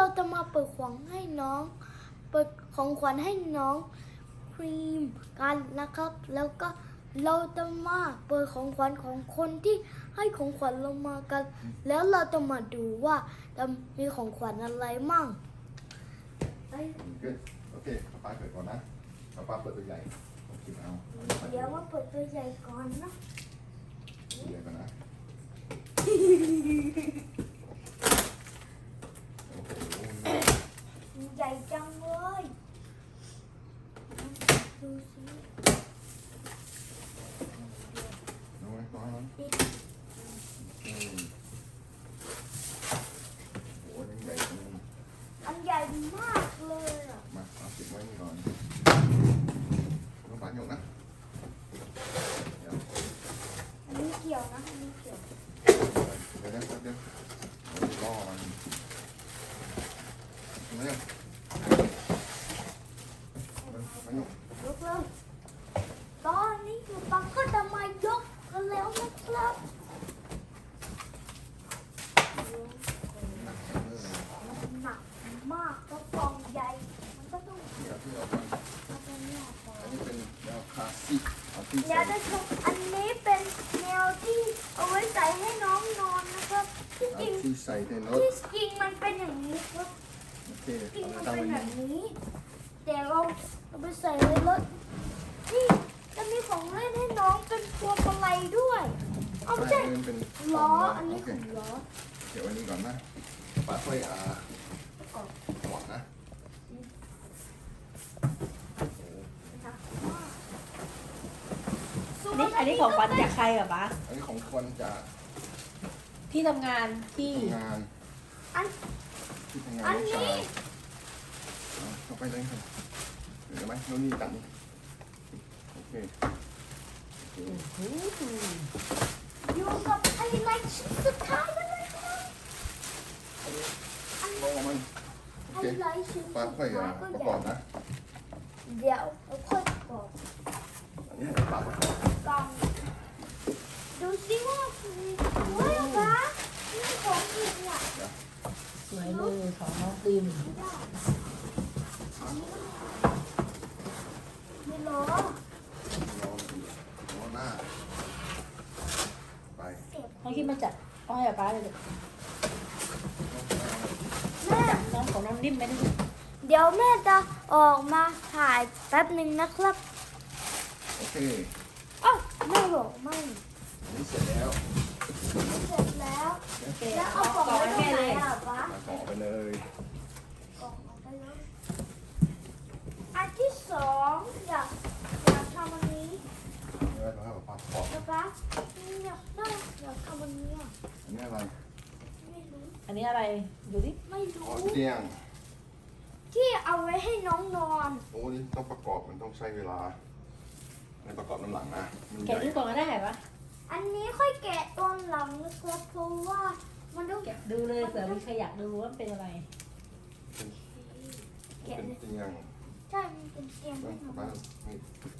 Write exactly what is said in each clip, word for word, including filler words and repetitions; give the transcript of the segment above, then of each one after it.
จะมาเปิดของให้น้องเปิดของขวัญให้น้องครีมกันนะครับแล้วก็เราจะมาเปิดของขวัญของคนที่ให้ของขวัญเรามากันแล้วเราจะมาดูว่าจะมีของขวัญอะไรมั่งโอเคป้าเปิดก่อนนะป้าเปิดตัวใหญ่กินเอาเดี๋ยวมาเปิดตัวใหญ่ก่อนนะตัวใหญ่ก่อนนะโอ้โหใหญ่จังเลยดูสิน้องไว้ก่อนปิดอืมโอ้โหยังใหญ่จังเลยอันใหญ่มากเลยอ่ะมาเอาติดไว้นี่ก่อนน้องปาหยกนะเดี๋ยวอันนี้เกี่ยวนะอันนี้เกี่ยวเดี๋ยวเดี๋ยวเดี๋ยวรอมันเร็วปาหยกยกเลยตอนนี้คือปังก็จะมายกกันแล้วนะครับหนักจังเลยหนักมากก็กล่องใหญ่มันก็ต้องเดี๋ยวที่เราฟังเอาไปเนี่ยก่อนอันนี้เป็นแนวคลาสสิกเอาที่เดี๋ใส่ยวจะชมอันนี้เป็นแนวที่เอาไว้ใส่ให้น้องนอนนะครับที่เอาจริงที่ใส่ในรถที่จริงมันเป็นอย่างนี้ครับโอเคจริงเอามันไปเป็นทำแบอันบนี้นี้ แต่เราเอาไปใส่ในรถนี่จะมีของเล่นให้น้องเป็นพวงมาลัยด้วยเอาไม่ใช่ใช่มันเป็นล้ออันนี้โอเคคือล้อเดี๋ยววันนี้ก่อนนะป้าค่อยอ่าหวังนะโอ้อันนี้อันนี้ของขวัญจากใครเหรอปะอันนี้ของคนจะที่ทำงานที่ทำงานอันที่ทำงานอันลูกนี้ชายเอาเข้าไปเลยครับเห็นไหมน้องนี่ตัดนี่โอเคโอเคอยู่กับไฮไลท์ชิ้นสุดท้ายแล้วนะครับมองมันโอไฮเคไลท์ชิ้นสุดป้าค่อยท้าอ่ายก็ประใหกญ่อบนะเดี๋ยวเราค่อยประกอบอันนี้ให้ป้าประกอบกล่องดูสิว่ามีเฮ้ยป้านี่ของอีกเนี่ยสวยเลยของน้องติมมีล้อรอรอหน้าไปเก็บน้องคิดมาจากอ้อยเหรอป้าเลยแม่น้องของน้องนิ่มไหมนี่เดี๋ยวแม่จะออกมาถ่ายแป๊บหนึ่งนะครับโอเคอ้าวแม่บอกไม่อันนี้เสร็จแล้วเสร็จแล้วโอเคแล้วเอาเอากกล่องล่องไว้ให้ตรงแม่ไหนเลยอ่ะป้ามาต่อไปเลยกล่องเอาไปเลยอันที่สองอยากอยากทำอันนี้เดี๋ยวเราให้ป้าประกอบนะป้าอยากได้อยากทำอันนี้อ่ะอันนี้อะไรไม่รู้อันนี้อะไรดูดิไม่ขรู้อเตียงที่เอาไว้ให้น้องนอนโอ้นี่ต้องประกอบมันต้องใช้เวลาในประกอบน้ำหลังนะมันใหแกะญ่ดูก่อนก็ได้ปะอันนี้ค่อยแกะตอนหลังนะครับเพราะว่ามันต้องแกะดูเลยเผื่อมีใครอยากดูว่ามันเป็นอะไรเป็นเตียงใช่มันเป็นเตียงต้อให้งนอนป้านี่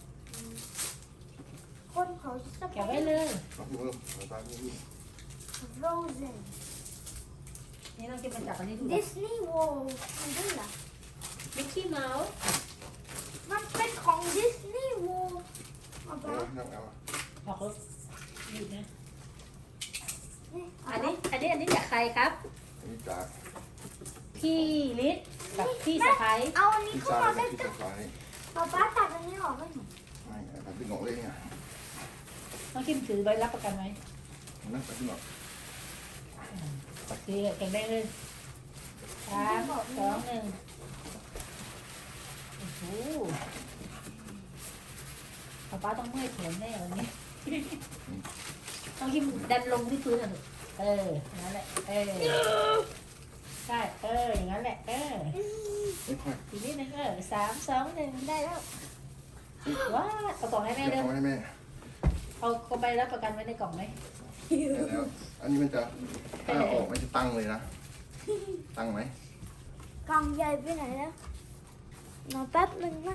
คนเขาจะแกะไว้เลยเอาที่มือเอาป้าที่นี่โรเซนนี่น้องคิดมาจากอันนี้ดูดิสนีย์เวิลด์มันด้วยเหรอมิกกี้เมาส์มันเป็นของดิสนีย์เวิลด์เอาไปเอาเอาเอาบอกเขาหยุดนะนี่อันนี้อันนี้อันนี้จากใครครับอันนี้จากพี่ลิศกับพี่สะพ้ายเอาอันนี้พี่เข้าชายมาและใกล้พี่สะพ้ายๆป๊าป๊าตัดอันนี้ออกให้หนูไม่แต่พี่หงอกเลยเนี่ยน้องคิมถือใบรับประกันไหมนั่นแต่พี่หงอกโอเคแข็งได้เลยสามสองหนึ่งโอ้โหป๊าป๊าต้องเมื่อยแขนแน่วันนี้ ต้องคิมดันลงที่พื้นอ่ะลูกเอออย่างนั้นแหละเออใช่เอออย่างนั้นแหละเออไม่ค่อยอีกนิดนึงเออสามสองหนึ่งได้แล้วว้าเอากล่องให้แม่เดี๋ยวเด้อเอาให้แม่เอาก็ใบรับประกันไว้ในกล่องไหมได้แล้วอันนี้มันจะถ้าเอาออกมันจะตั้งเลยนะตั้งไหมกล่องใหญ่ไปไหนแล้วรอแป๊บหนึ่งนะ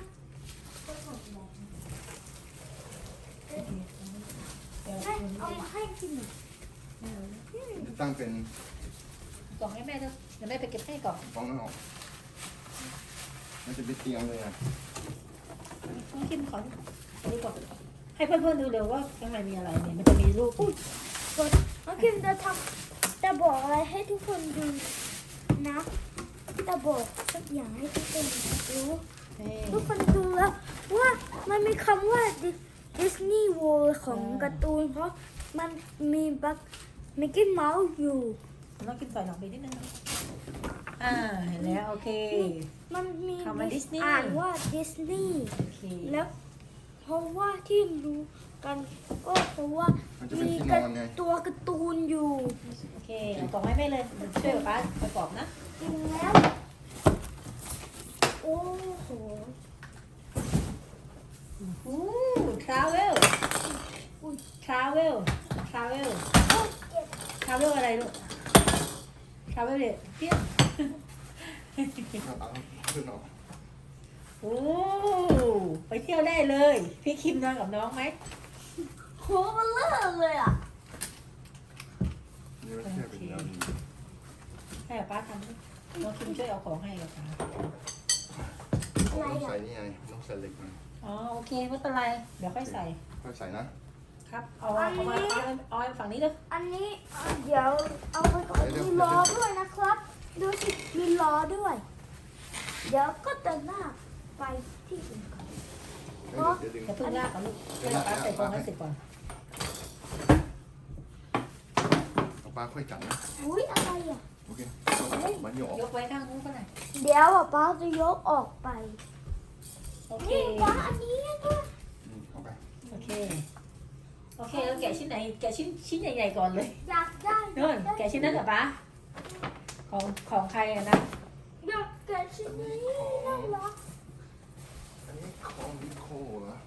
เดี๋ยวให้เอามาให้กินหน่อยจะตั้งเป็นตกล่องให้แม่ด้วยเดี๋ยวแม่ไปเก็บให้กล่องฟองนั่นออกมันจะเป็นเตียงเลยอ่ะน้องคิมขอดูก่อนให้เพื่อนๆดูเร็วว่าข้างในมีอะไรเนี่ยมันจะมีรูปอุ๊ย กดน้องคิมจะทำจะบอกอะไรให้ทุกคนดูนะจะบอกสักอย่างให้ทุกคนรู้เฮ้ยทุกคนดูแล้วว่ามันมีคำว่าดิสนีย์ World ของอ่าการ์ตูนเพราะมันมีบักมิกกี้เมาส์อยู่น้องคิมใส่หลังไปนิดนึงนะอ่าเห็นแล้วโอเคมันมีคำว่า Disney อ่านว่าดิสนีย์โอเคแล้วเพราะว่าที่รู้กันก็เพราะว่ามันจะเป็นมีที่นกาอนไงตัวการ์ตูนอยู่โอเคเอากล่องให้แม่เลยเดี๋ยวช่วยป๊าประกอบนะจริงแล้ว โอ้โหอู้ทราเวลทราเวลทราเวลโอ้เจ็บทราเวลอะไรลูกทราเวลเนี่ยเพี้ยเอาเอาขึ้นออกโอ้ไปเที่ยวได้เลย พี่คิมนอนกับน้องไหมโหมันเลิกเลยอ่ะนี่ไม่ใช่เป็นยาดีให้ป๊าทำดิน้องคิมช่วยเอาของให้กับป๊าต้องใส่นี่ไงต้องใส่เหล็กมันอ๋อโอเคไม่เป็นไร เดี๋ยวค่อยใส่ค่อยใส่นะครับ เอาเอามาเอาเอาฝั่งนี้เลยอันนี้เอ่อเดี๋ยวเอาไปก่อนมีล้อด้วยนะครับ ดูสิมีล้อด้วย เดี๋ยวก็เดินหน้าไปที่อื่นก่อนเดี๋ยวเดี๋ยวดึงอย่าเพิ่งลากก่อนลูกให้ป๊าใส่ของให้เสร็จก่อนเอาปลาค่อยจับนะอุ้ยอะไรอ่ะโอเคมันโยกออกยกไว้ข้างนู้นก็ได้เดี๋ยวอ่ะป้าจะยกออกไปโอเคนี่ป้าอันนี้นะอืมเอาไปโอเค โอเคแล้วแกะชิ้นไหน แกะชิ้นชิ้นใหญ่ๆก่อนเลยอยากได้นู่นแกะชิ้นนั้นเหรอป๊าของของใครอะนะอยากแกะชิ้นนี้น่ารักอันนี้ของนิโคเหรอ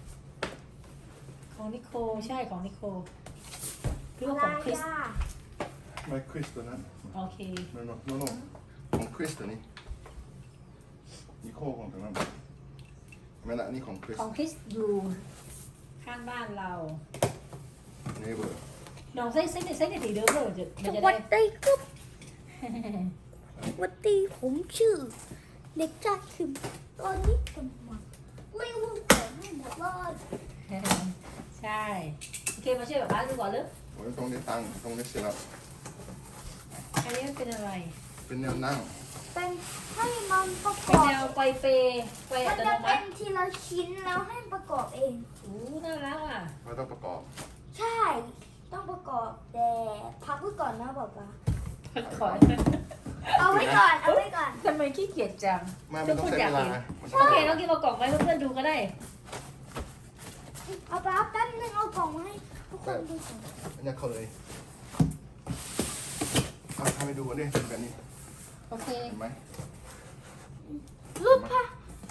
ของนิโคใช่ของนิโคหรืออะว่าไรของคริสอ่ะไม่คริสตัวนั้นโอเคโนโนโนโนของคริสตัวนี้นิโคของตัวนั้นไม่ละนี่ของคริสของคริสอยู่ข้างบ้านเราเนเบอร์ลองใส่ใส่ใส่ในสีเดิมเลยจะสมันจะวัได้สดีครับสวัสดีผมชื่อ เด็กชายคิมตอนนี้กำลังเลี้ยงของให้หมดเลยใช่ โอเคมาช่วยแบบบ้านดูก่อนเลยโอ้ยตรงนี้ตั้งตรงนี้เสร็จแล้วอันนี้มันเป็นอะไรเป็นแนวนั่งเป็นให้มันประกเป็นอบแนวไกวเปไกวมัอันตโนจะมัเป็ตินทีละชิ้นแล้วให้ประกอบเองโอ้น่ารักอ่ะเราต้องประกอบใช่ ต้องประกอบแต่พักไว้ก่อนนะบอกว่าขอเอาไว้ก่อน เอาไว้ก่อนทำไมขี้เกียจจังไม่มันต้องใช้เวลามันต้โอองเคต้องกินมากล่องไว้เพื่อนๆดูก็ได้เอาไปเอาแป๊บนึงเอากล่องมาให้ทุกคนดูก่อนอันนี้เขาเลยเอาทำให้ดูกันดิเป็นแบบนี้โอเคเห็นไหมรูปภาพ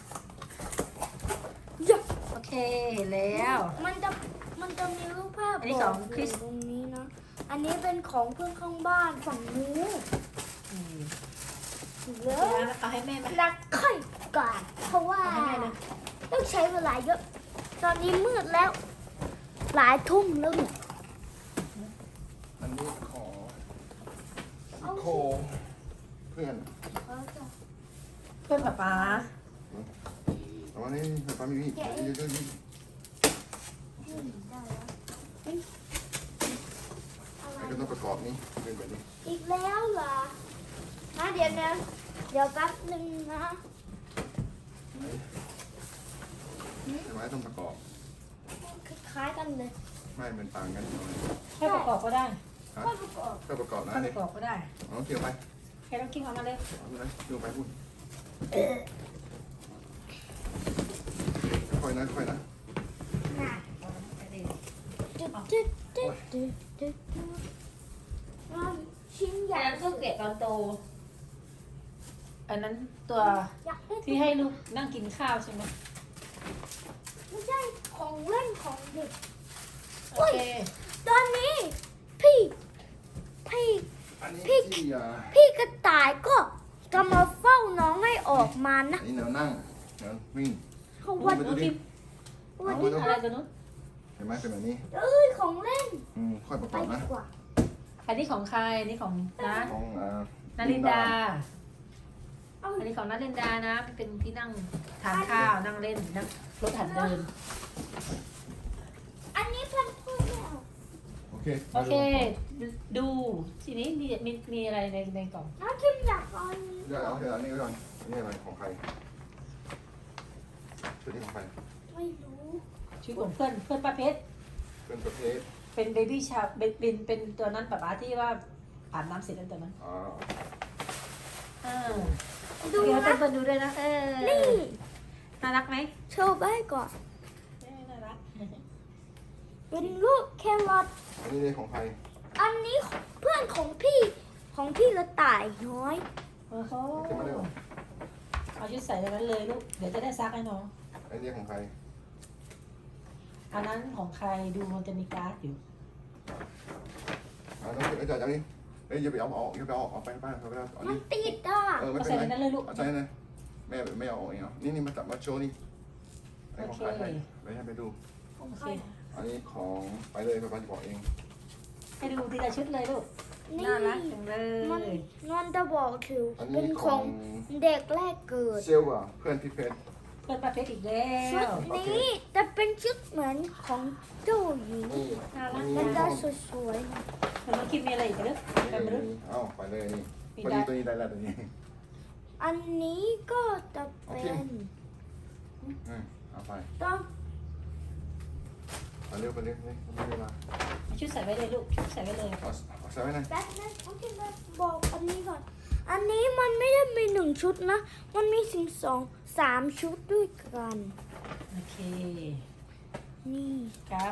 เดี๋ยวโอเคแล้วมันจะมันจะมีรูปภาพอันนี้ของคริสยู่ตรงนี้นะ อันนี้เป็นของเพื่อนข้างบ้านฝั่งนู้นอืมเลเอายเอาให้แม่ไหมรักค่อยก่อนเพราะว่าเอาให้แม่เลยต้องใช้เวลาเยอะ ตอนนี้มืดแล้ว หลายทุ่มแล้วเนี่ยอันนี้ขอเอาโคเพื่อนเอาจ้ะเพื่อนป๊าป๊าแต่ว่านี่ไฟฟ้ามีมีเยอะๆนี่อืมได้แล้วเฮ้ยอะไรก็ต้องประกอบนี่เป็นแบบนี้อีกแล้วเหรอนะเดี๋ยวนะเดี๋ยวแป๊บนึงนะใช่ไหมต้องประกอบคล้ายๆกันเลยไม่เป็นต่างกันหน่อยแค่ประกอบก็ได้ค่อยประกอบก็ประกอบนะแค่ปนี่ระกอบก็ได้เอาเกี่ยวไปแค่ต้องกินเอามาเลยเอาไปดูไปพูดค่อยนะค่อยนะน่ะเอาไปเลยจุดจุดจุดจุดจุดว่าชิ้นใหอัญ่นนั้นเครื่องเกะตอนโต อันนั้นตัวอยากได้ที่ให้ลูกนั่งกินข้าวใช่ไหมไม่ใช่ของเล่นของเด็กโอเคตอนนี้พี่พี่อันนี้พี่ที่อ่าพี่กระต่ายก็จะมาเฝ้าน้องให้ออกมานะอันนี้แนวนั่งแนววิ่งเขาวันดูดิวันเอานี้ไว้อะไรตัวนู้นเห็นไหมเป็นแบบนี้เอ้ยของเล่นอืมค่อยประไปกอบดีนะกว่าอันนี้ของใครอันนี้ของนะของอ่านารินดาเอาอันนี้ของนารินดานะเป็นที่นั่งทานข้าวนั่งเล่นนั่งรถหัดเดินอันนี้เพื่อนพูดแล้วโอเคโอเค ดูทีนี้มีมีมีอะไรในในกล่องน้องคิมอยากเอาอันนี้เดี๋ยวเอาเดี๋ยวอันนี้ไว้ก่อนอันนี่อะไรของใครชุดนี้ของใครไม่รู้ชุดของเพื่อนเพื่อนป้าเพชรเป็นประเภทเป็นเบบี้ชาเป็นเป็นเป็นตัวนั้นป๊าป๊าที่ว่าอาบน้ำเสร็จแล้วตัวนั้นอ๋ออ่าดูเดี๋ยวนะเปิดดูด้วยนะเออนี่น่ารักไหมโชว์ไปก่อนเออน่ารักเป็นรูปแครอทอันนี้เลยของใครอันนี้เพื่อนของพี่ของพี่กระต่ายน้อยโอ้โหขึ้นมาเร็วเอาชุดใส่ในนั้นเลยลูกเดี๋ยวจะได้ซักให้น้องอันนี้ของใครอันนั้นของใครดูมันจะมีการ์ดอยู่อ่าน้องเอ้ยจ่ายจากนี้เอ้ยอย่าไปเอาออกอย่าไปเอาออกเอาไปบ้านเอาไปเอาอันมันนี้ติดอ่ะเออไม่เอาเป็ใส่นในไรนั้นเลยลูกเอาใส่เลยแม่ไม่เอาออกเองเหรอนี่นี่มาจับมาโชว์นี่ไอ้ของใครโอเคไปให้ไปดูของโอใคเครอันนี้ของไปเลยไปบ้านจะบอกเองให้ดูทีละชุดเลยลูกนี่น่ารักจังเลมันยนอนจะบอกถืออันเป็นี้นขขออง งเด็กแรกเกิดเซลว่ะเพื่อนพี่เพชรเพื่อนป้าเพชรอีกแล้ชุดวนี้จะเป็นชุดเหมือนของเจ้าหญิงนี่น่ารักมันจะสวยๆหน่อยแล้วน้องคิมมีอะไรอีกไหมลูกไปไหมลูกนี่เอาไปเลยนี่มีพอได้ดีตัวนี้ได้แล้วตัวนี้อันนี้ก็จะเป็นอืมเอาไปต้องเอาเร็วไปเร็วเลยไม่มีเวลาเอาชุดใส่ไว้เลยลูกชุดใส่ไว้เลยเอาเอาใส่ไว้หน่อยแป๊บนึงโอเคมาบอกอันนี้ก่อน อันนี้มันไม่ได้มีหนึ่งชุดนะ มันมีสิงสองสามชุดด้วยกันโอเคนี่ครับ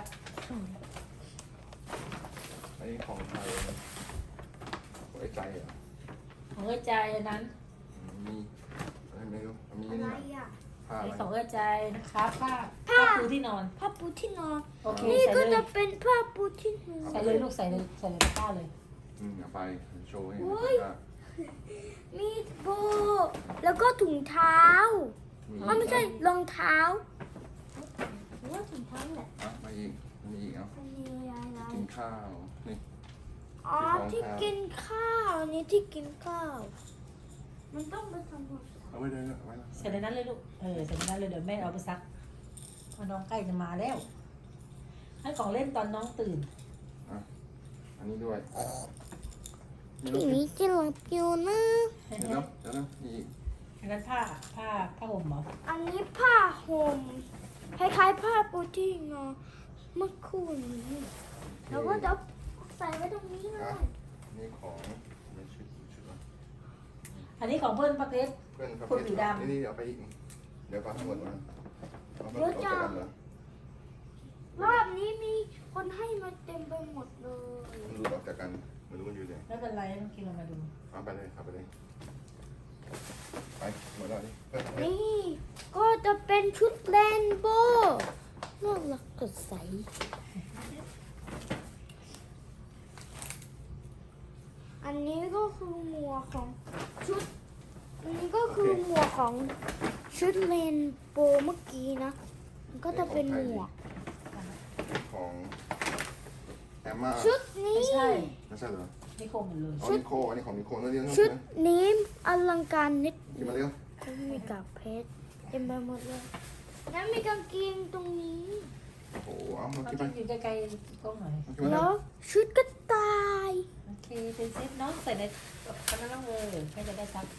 อันนี้ของใครของไอ้ใจเหรอของเอ้ยใจอันนั้นมีอะไรไม่รู้มีอะไรนี่อ่ะผ้าอันอะไรนี้ของเอ้ยใจนะครับผ้าผ้าผ้าปูที่นอนผ้าปูที่นอนโอเคนี่ใส่ก็เลจะยเป็นผ้าปูที่นอนใส่เลยลูกใส่เลยใส่เลยผ้าเลยอืมเอาไปโชว์ให้โอ้ดูยว่ามีโบ แล้วก็ถุงเท้ามีอ๋อไม่ใช่รองเท้าหรือว่าถุงเท้าแหละอ่ะมาอีกมีอีกเอาอันนี้อะไรกินข้าวนี่อ๋อที่กินข้าวอันนี้ที่กินข้าว มันต้องไปทำความสะอาดเอาไว้เลยเอาไว้แล้วใส่ในนั้นเลยลูกเออใส่ในนั้นเลยเดี๋ยวแม่เอาไปซักเพราะน้องใกล้จะมาแล้ว ให้ของเล่นตอนน้องตื่นอันนี้ด้วยพี่นี้จะหลับอยู่นะเดี๋ยวนะเดี๋ยวนะมีอีกอันนั้นผ้าผ้าผ้าห่มเหรออันนี้ผ้าห่มคล้ายๆผ้าปูที่นอนเมื่อคืนนี้แล้วก็จะใส่ไว้ตรงนี้เลยนี่ของไม่ชุดชุดละอันนี้ของเพื่อนป้าเพชรเพื่อนเขาคนสีดำนี่นี่เอาไปอีกเดี๋ยวก่อนทั้งหมดมาเอาไปเอาไปกันเหรอรอบนี้มีคนให้มาเต็มไปหมดเลยมันรู้ออกจากกันไม่รู้มันอยู่ไหนไม่เป็นไรน้องคิมเรามาดูเอาไปเลยเอาไปเลยไปหมดแล้วนี่เฮ้ยนี่ก็จะเป็นชุดเรนโบว์น่ารักสดใส อันนี้ก็คือหมวกของชุด อันนี้ก็คือหมวกของชุดเรนโบว์เมื่อกี้นะ มันก็จะเป็นหมวกของแอมมาชุดนี้ไม่ใช่ไม่ใช่เหรอนิโคมหมดเลยเอานิโคอันนี้ของนิโคนั่นเรียกชุดนะนี้อลังการนิดกินมาเร็วมีกากเพชรเต็มไปหมดเลยแล้วมีกางเกงตรงนี้โอ้โหเอามาน้องกินไปคิมอยู่ใกล้ๆกล้องหน่อยเอากินมาเร็แล้ว วชุดกระต่ายโอเคเป็นเซตน้องใส่ในอันนั้นน้องเลยใครจะได้ซัก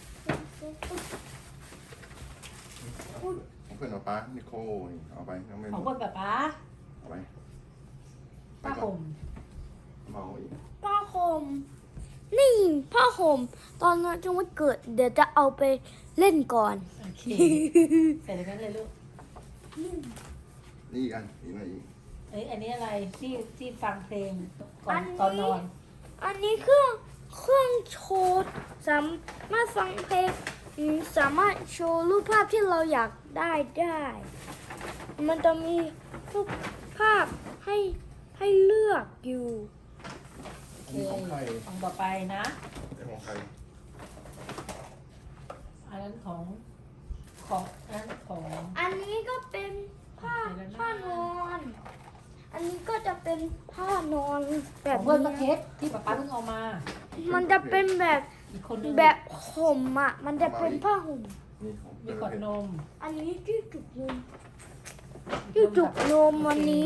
ของเพื่อนเอาปลานิโคนี่เอาไปน้องไม่ของรู้คนป้าป๊าเอาไปผ้าห่มเมาอีกผ้าห่มนี่ผ้าห่มตอนนั้นจังวันเกิด เดี๋ยวจะเอาไปเล่นก่อนโอเคใส่ในนั้นเลยลูกนี่อีกอันอีกหน่อยอีกเอ้ยอันนี้อะไรที่ที่ฟังเพลงก่ออันนนี้ตอนนอนอันนี้เครื่องเครื่องโชว์สามารถฟังเพลงอืมสามารถโชว์รูปภาพที่เราอยากได้ได้ มันจะมีรูปภาพให้ให้เลือกอยู่โอเคนี่ของใครของต่อไปนะนี่ของใครอันนั้นของของอันนั้นของอันนี้ก็เป็นผ้าเดี๋ยวนะผ้านอน อันนี้ก็จะเป็นเป็นผ้านอนแบขอบ งเพื่อนนี้ก็เพชรที่ป๊าป๊าเพิ่งเอามามันจะเป็นแบบอีกคนนึงแบบห่มอ่ะ มันจะเป็นผ้าห่มนี่ของมีเพื่อนขวดเพชรนมอันนี้ที่จุกนมที่จุกนมวันนี้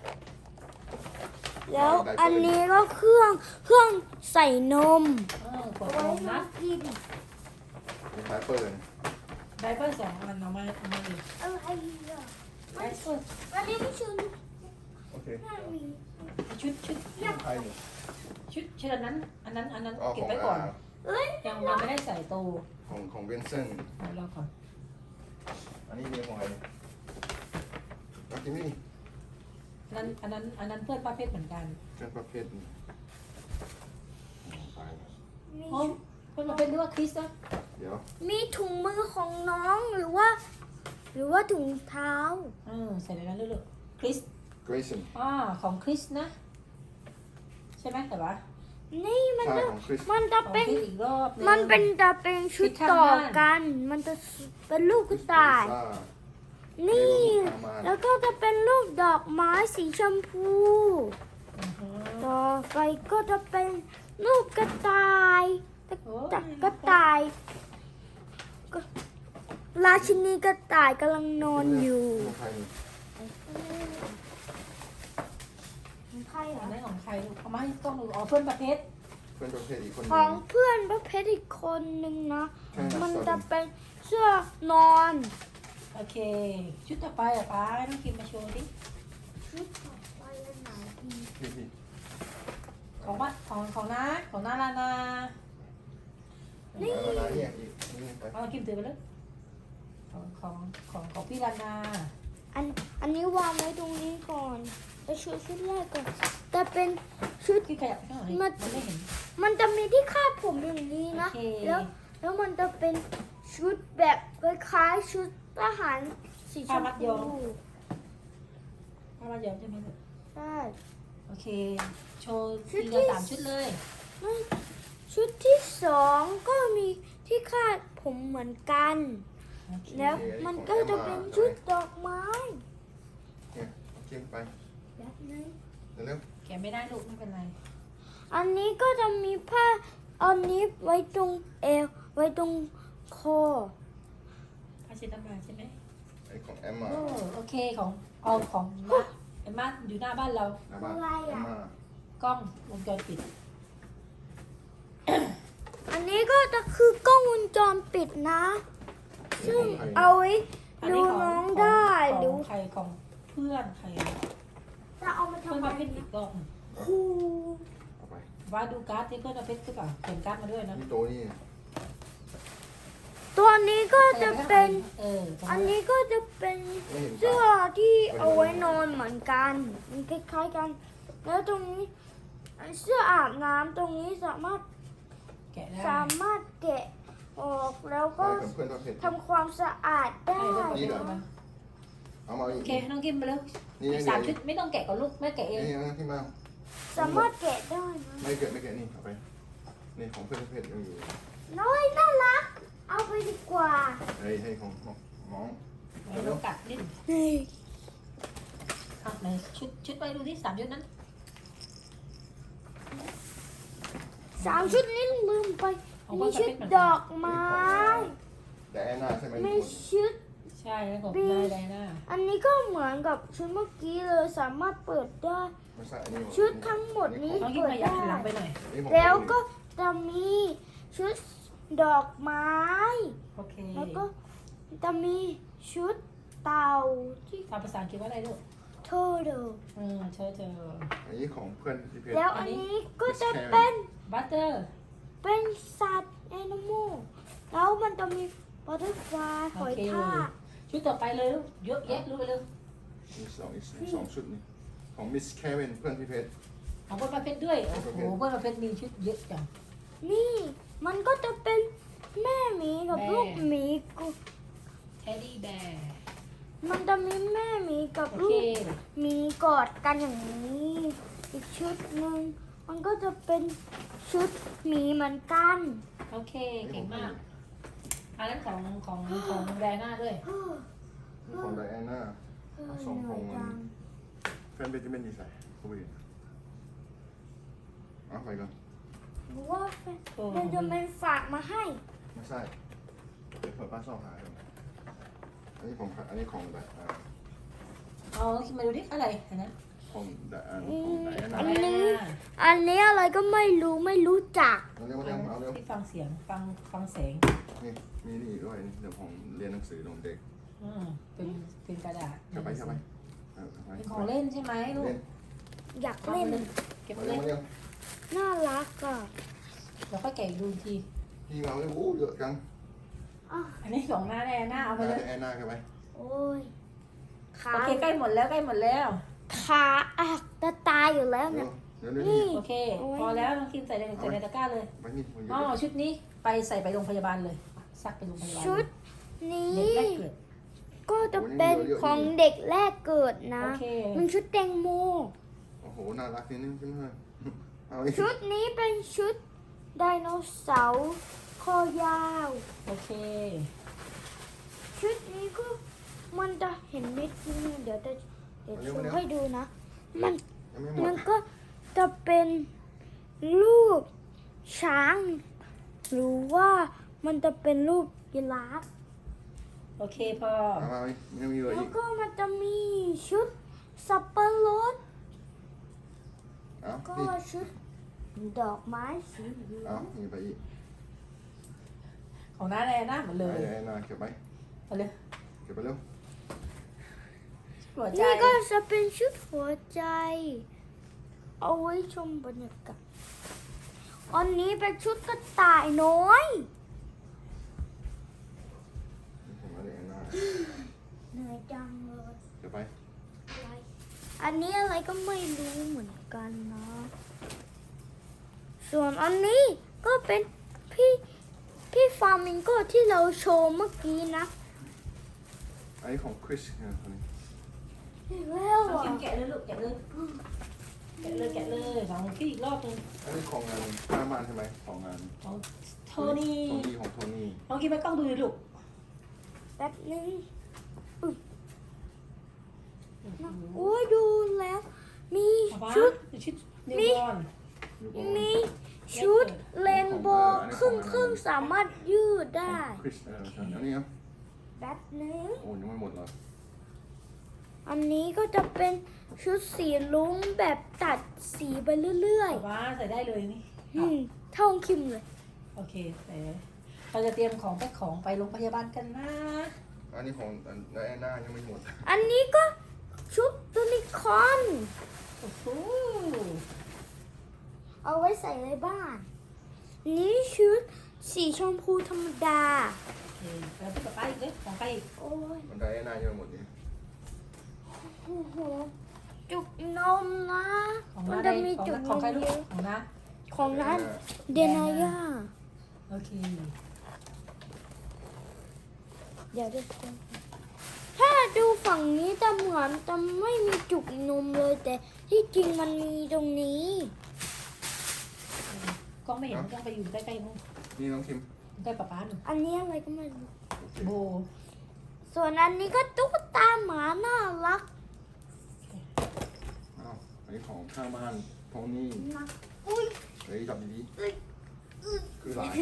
แล้วอันนี้ก็เครื่องเครื่องใส่นมเออขวดเอานไว้มมานะกินมีท้ายเปิดไดเปอร์สองอันเอามาเอามาอีกอะไรอ่ะไดเปอร์อันนี้ไม่ชุนโอเคไม่มีชุดชุดของใครเนี่ยชุดชุดอันนั้น อันนั้นอันนั้นอ๋อเก็ขบองไว้ก่อนอ่าเอ้ยยังยังไม่ได้ใส่ตู้ของของเบนเซนเอาเราก่อนอันนี้มีของใครเนี่ยเอากินนี่อันนั้นอันนั้นอันนั้นเพื่อนป้าเพชรเหมือนกันเพื่อนประเภทนี่ตายแล้วมีโอ้เพื่อนป้าเพชรหรือว่าคริสนะเดี๋ยวมีถุงมือของน้องหรือว่า หรือว่าถุงเท้าเออใส่ในนั้นเลยๆคริสเกรซันอ่าของคริสนะ ใช่ไหมแต่ว่านี่มันใช่จะของคริสมันจะของเป็นคริสอีกรอบนึงมันเป็นจะเป็นชุดชุดข้างต่อบ้านกัน มันจะเป็นลูกกระต่ายซ่านี่เอามาแล้วก็จะเป็นรูปดอกไม้สีชมพูอือฮึต่อไปก็จะเป็นรูปกระต่ายกระโอ้ต่ายกระต่ายก็ราชินีกระต่ายกำลังนอนอยู่ของใครเนี่ยของใครเหรอัอนนั้นของใครลูกเอามาให้กล้องดูอ๋อเพื่อนประเภทเพื่อนประเภทอีกคนหขนึองงเพื่อนประเภทอีกคนนึงนะใช่ครับมันจะเป็นเสื้อนอนโอเค ชุดต่อไปอ่ะป้าให้น้องคิมมาโชว์ดิชุดต่อไปอันไหนดีพี่พี่ของบ้านของของน้าของน้าลานานี่อะไรเนี่ยอีกนี่ไปเอาน้องคิมถือไปเลยของของของของพี่ลานาอันอันนี้วางไว้ตรงนี้ก่อนจะชุดชุดแรกก่อนแต่เป็นชุดที่ขยับไปข้างหลังมามันไม่เห็นมันจะมีที่คาดผมอย่างนี้นะโอเคแล้วแล้วมันจะเป็นชุดแบบคล้ายๆชุดทหารสีชมพูถ้ามาเยอะใช่ไหมลูกใช่โอเค โชว์ชุทีดที่ละสามชุดเลยชุดที่สองก็มีที่คาดผมเหมือนกันโอเคแล้วมันก็จะเป็นชุดดอกไม้เนี่ยเอากินไปแบบนึงเร็วแกะไม่ได้ลูกไม่เป็นไรอันนี้ก็จะมีผ้าอันนี้ไว้ตรงเอวไว้ตรงคอผ้าเช็ดน้ำลายใช่ไหมๆไอ้ของแอมมาโอ้โอเคของเอาของมาเอ็มมาอยู่หน้าบ้านเราหน้าบ้านแอมมากล้องวงจรปิดอันนี้ก็จะคือกล้องวงจรปิดนะ ซึ่งเอาไว้อันดูนี้ของน้องของได้ขหรือองใครของเพื่อนใครจะเอามาเพื่อนทำมาอะเพไรชรอีกรอบหนึ่งครูเอาไปว่าดูการ์ดที่เพื่อนมาเพชรหรือเปล่าเขียนการ์ดมาด้วยนะนี่โต๊ะนี่ตัวนี้ก็จะเป็นเออตรงอันนี้ก็จะเป็นไม่เห็นเสื้อที่เอาไว้นอนเหมือนกัน มันคล้ายๆกัน แล้วตรงนี้เสื้ออาบน้ำตรงนี้สามารถแกะได้สามารถแกะออกแล้วไปก็กับเพื่อนประเภททำความสะอาดได้ให้เพื่อนมาเพนี่ชเหรอรมาเอามาอีโอก เคน้องกิมไปเลยนี่อีนี่กสามชุดไม่ต้องแกะกับลูกแม่แกะเองนี่ที่มาสามารถแกะได้นะไม่เกิดไม่เกิดนี่เอาไปนี่ของเพื่อนประเภทยังอยู่น้อยน่ารัก เอาไปดีกว่าเฮ้ยให้ของน้องน้องไม่ต้องกัดดิ้นนี่อ่ะไหนชุดชุดไปดูที่สามชุดนั้นสามชุดนี้ลืมไปของมีเพื่อนประชุเภดทเหมือนดกัอน กไม้แต่แอนนาใช่ไหมมีชุดใช่แล้วของได้ได้นะอันนี้ก็เหมือนกับชุดเมื่อกี้เลยสามารถเปิดได้ไม่ใช่อันนี้ชุดทั้งหมดนี้น้องกิมเปิดขยับได้หันหลังไปหน่อยนี่ของแล้วก็จะมีชุดดอกไม้โอเคแล้วก็จะมีชุดเต่าที่ทำภาษาอังกฤษว่าอะไรลูกโทโดเออเธอเธออันนี้ของเพื่อนที่เพชรแล้วอันนี้ก็จะเป็นบัตเตอร์เป็นสัตว์แอนิมอลแล้วมันจะมีบัตเตอร์ฟลายหโออยเคทากชุดต่อไปเลยลูกเยอะแยะลูกไปเลยมีสองอีกสองชุดนี่ของมิสแคเวนเพื่อนที่เพชรของเพื่อนประเภทด้วยโอ้โหเพื่อนประเภทมีชุดเยอะจังนี่มันก็จะเป็นแม่หมีกับแม่ลูกหมีกูเทดดี้แบร์มันจะมีแม่หมีกับโอลูเคกหมีกอดกันอย่างนี้ อีกชุดหนึ่งมันก็จะเป็นชุดหมีเหมือนกันโอเคเก่งมากอันนั้นของของของแดน่าด้วยเฮ้อของไดอาน่าเฮ้อสองเหขนื่ออง ยจังเพื่อนเพชรจะเป็นดีไซน์เข้าไปอีกเอาไปก่อนหรือว่าเป็นโอ้เป็นจะเป็นฝากมาให้ไม่ใช่เดี๋ยวเปิดป้าซ่อมหาก่อนอันนี้ของอันนี้ของแบบอ่าเอามาดูดิอะไรเห็นไหมของแต่อ่าของไหนอันอันั้น นนี้ อันนี้อะไรก็ไม่รู้ไม่รู้จักเอาเร็วเร็วเอาเร็วที่ฟังเสียงฟังฟังแสงนี่มีนี่ด้วยเดี๋ยวผมเรียนหนังสือของเด็กอืมเป็นเป็นกระดาษเข้าไปเข้าไปเอาเข้าไปเป็นของเล่นใช่ไหมลูกเล่นอยากเล่นเก็บมาเล่เร็วน มาเร็วน่ารักอ่ะเดี๋ยวค่อยแกะดูอีกทีพี่มาเร็วโอ้เยอะจังอ้าวอันนี้ของหน้าแน่หน้าเอาไปเลยแอนนาเข้าไปโอ้ยขาโอเคใกล้หมดแล้วใกล้หมดแล้วขาอ่ะจะตายอยู่แล้วเร็เนี่วย เร็วเร็วนี่นี่โอเค พอแล้วน้องคิมใส่ในใส่ในตะกร้าเลยไปนี่มันเยอ๋ออะชุดนี้ไปใส่ไปโรงพยาบาลเลยซักไปโรงพยาบาลชุดนี้เด็กแรกเกิดก็จะเป็นของเด็กแรกเกิดนะโอเคมันชุดแตงโมโอ้โหน่ารักนิดนึงใช่ไหมเอาอีกชุดนี้เป็นชุดไดโนเสาร์คอยาวโอเคชุดนี้ก็มันจะเห็นนิดนึงเดี๋ยวจะเดี๋ยวโชว์ให้ดูนะ มันยังไม่หมมัดนก็จะเป็นรูปช้าง หรือว่ามันจะเป็นรูปยีราฟโอเคพอเอามาอีกยังมีเหลือแล้อีวกก็มันจะมีชุดสับปะรดเอาก็นี่ชุดดอกไม้สีเหลือเอางนี่ไปอีกของหน้าแน่หน้าหมดเลยแอนนาเก็บไปเอาเลยเก็บไปเร็วหัวใจนี่ก็จะเป็นชุดหัวใจ เอาไว้ชมบรรยากาศอันนี้เป็นชุดกระต่ายน้อยผมเอาแอนนาเหนื่อยจังเลยเก็บไปอะไรอันนี้อะไรก็ไม่รู้เหมือนกันนะ ส่วนอันนี้ก็เป็นพี่พี่ฟาร์มิงโกที่เราโชว์เมื่อกี้นะอันนี้ของคริสเนี่ยคนนี้อีกแล้วน้องอ่ะคิมแกะเลยลูกแกะเลยแกะเลยแกะเลยของพี่อีกรอบหนึงอันนี้ของงานห้าบ้านใช่ไหมของงานของโทนี่โทนี่ของโทนี่น้องคิมไปกล้องดูดิลูกแป๊บนึงโอ้ยดูแล้ว มีเอาปะชุดชุดนิวมีบอร์นอยู่ก่อนมีชุดเรนโบว์ครึ่งครึ่งๆสามารถยืดได้คริสเออใช่อันนี้ครับแป๊บนึงโอ้ยังไม่หมดเลยอันนี้ก็จะเป็นชุดสีลุ้งแบบตัดสีไปเรื่อยเอาว่าใส่ได้เลยนี่ๆอืมเท่าคิมเลยโอเคแต่เราจะเตรียมของแพ็คของไปโรงพยาบาลกันนะอันนี้ของแอนนายังไม่หมดอันนี้ก็ชุดยูนิคอร์นโอ้โหเอาไว้ใส่ในบ้าน นี่ชุดสีชมพูธรรมดาโอเคแล้วพี่กับป้าอีกเลยของใครอีกโอ้ยมันได้แอนนายังไม่หมดนี่โอ้โหจุกนมนะของมันน้าจะได้มีของจุกน้าน ของมใครลูเยกอะของน้าของนั้นเดนายาโอเคเดี๋ยวดูถ้าดูฝั่งนี้จะเหมือนจะไม่มีจุกนมเลย แต่ที่จริงมันมีตรงนี้กล้องไม่เห็นกล้องไปอยู่ใกล้ๆนู้นนี่น้องคิมใกล้ป้าป้าหนึ่งอันนี้อะไรก็ไม่รู้โบส่วนอันนี้ก็ตุ๊กตาหมาน่ารักอ้าวอันนี้ของข้างบ้านโทนี่นะอุ้ยเฮ้ยจับดีๆคือหลาย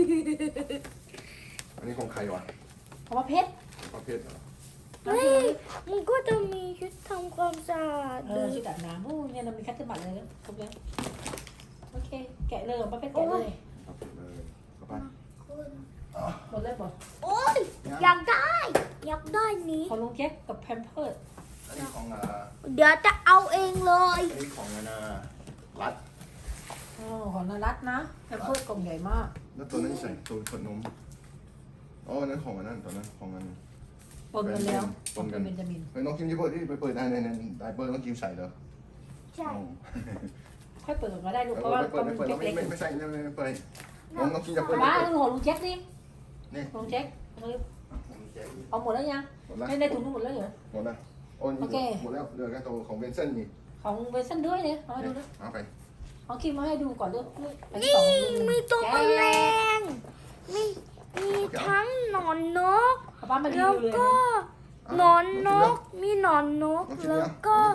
อันนี้ของใครวะของป้าเพชรของประเภทเหรอน้องเฮ้คิยมมันก็จะมีชุดทำความสะอาดเอด้อวยชุดอาบน้ำโอ้เนี่ยเรามีคัตเตอร์บัตรเลยแล้วครบแล้วโอเค แกะเลยของป้าเพชรแกะเลยประเภทเลยเข้าไปหมดเลยบอกโอ้ยอยากได้ อยากได้นี้ของลุงแจ็คกับแพมเพิร์ดอันนี้ของอ่าเดี๋ยวจะเอาเองเลยอันนี้ของนานารัดอ๋อของนารัตนะแพมเพิร์ดกล่องใหญ่มากแล้วตัวนั้นใส่ตัวขวดนมอ๋ออันนั้นของอันนั้นตัวนั้นของอันปนกันแล้วปนกันเบนจามินเฮ้ยน้องคิมจะเปิดที่ไปเปิดได้ในในไดเปอร์น้องคิมใส่เหรอใช่อ๋อค่อยเปิดก่อนก็ได้ลูกเอเพราะว่าอไม่ขเปิอดงไม่ลุงเปิดแจ็คไม่เล็กไม่ไม่ใส่ไม่ไม่เปิดน้องน้องคิมจะเปิดป้าดูของลุงแจ็คดินี่ลุงแจ็คเอาหมดแล้วยังหมดแล้วไม่ได้ถุงนึงหมดแล้วเหรอหมดแล้วโอ้ยโอเคหมดแล้วเหลือแค่ตัวของเวนเซนนี่ของเวสันด้วยเนี่ยเอามาดูนี่นะเอาไปเอาคิมมาให้ดูก่อนด้วยอันนี่สองลุงมีตัวแมลแกะงมีมีทั้งหนอนนกป้ามารีแล้ววิวเลยก็นะหนอนนก มีหนอนนกน้องคิมแล้เนี่วย ก็เอาไป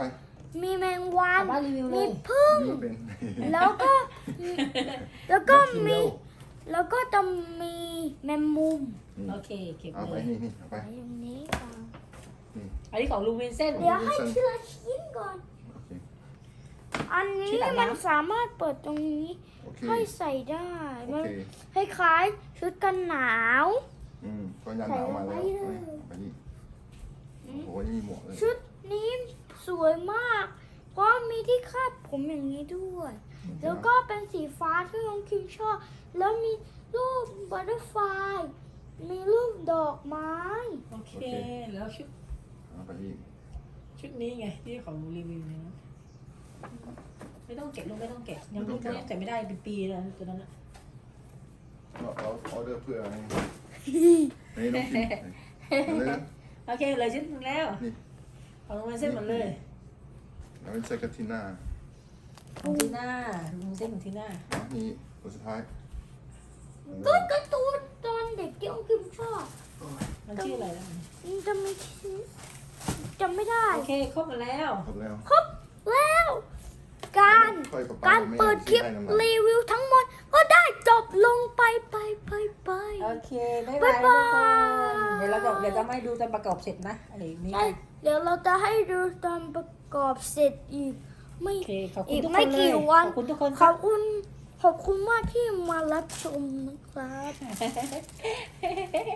มีแมงวัป้าน ป้ารีวิวเลมียพึ่งนี่ก็เป็นแล้วก็แล้วก็ชิมมีเร็วแล้วก็จะมีแมงมุมนี่โอเคเก็บเอาเลไปยนี่นี่เอาไปไว้ตรงนี้ก่อนอันนี้ของลุงวินเส้นเดี๋ยวให้ทีละชิ้นก่อนโอเคอันนี้ชิ้นอาบน้ำมันสามารถเปิดตรงนี้โอเคให้ใส่ได้โอมันเคคล้ายๆชุดกันหนาวอืมก็ยันหนาวมาแล้วใส่ลงไปเลยเอาไปนี่โอ้โหนี่มีหมวกเลยชุดนี้สวยมาก เพราะมีที่คาดผมอย่างนี้ด้วย แล้วก็เป็นสีฟ้าที่น้องคิมชอบ แล้วมีรูปบัตเตอร์ไฟลายมีรูปดอกไม้โอเคแล้วชุดเอาไปอีกชุดนี้ไงที่ของรีวิวเนี่ยนะไม่ต้องเก็บลูกไม่ต้องเก็บยังลูกยังแต่ไม่ได้เป็นปีแล้วตัวนั้นอะเราเราออเดอร์เพื่ออะไรอันนี้น้องกินเอาเลยนะโอเคเลยชุดหนึงแล้วนี่ของลุงวินเส้นหมดเลยแล้วเป็นเซกาติน่าของทีน่าลุงวินเส้นของทีน่าอ๋อนี่ตัวสุดท้ายก็การ์ตูนตอนเด็กที่น้องคิมชอบมันชื่ออะไรแล้วมันจะมีชื่อจำไม่ได้โอเคครบหมดแล้วครบแล้วครบแล้ว การค่อยๆการเปิดคลิปรีวิวทั้งหมด ก็ได้จบลงไปไปไปไปโอเคบ๊ายบายบ๊ายทุกบายคนเดี๋ยวเราจะเดี๋ยวจะไม่ดูตอนประกอบเสร็จนะอะไรนี้ใช่เดี๋ยวเราจะให้ดูตอนประกอบเสร็จอีก ไม่โอเคขอบคุอีณกทุกคไม่นเลยกี่วันขอบคุณทุกคนขอบคุณ ขอบคุณมากที่มารับชมนะครับ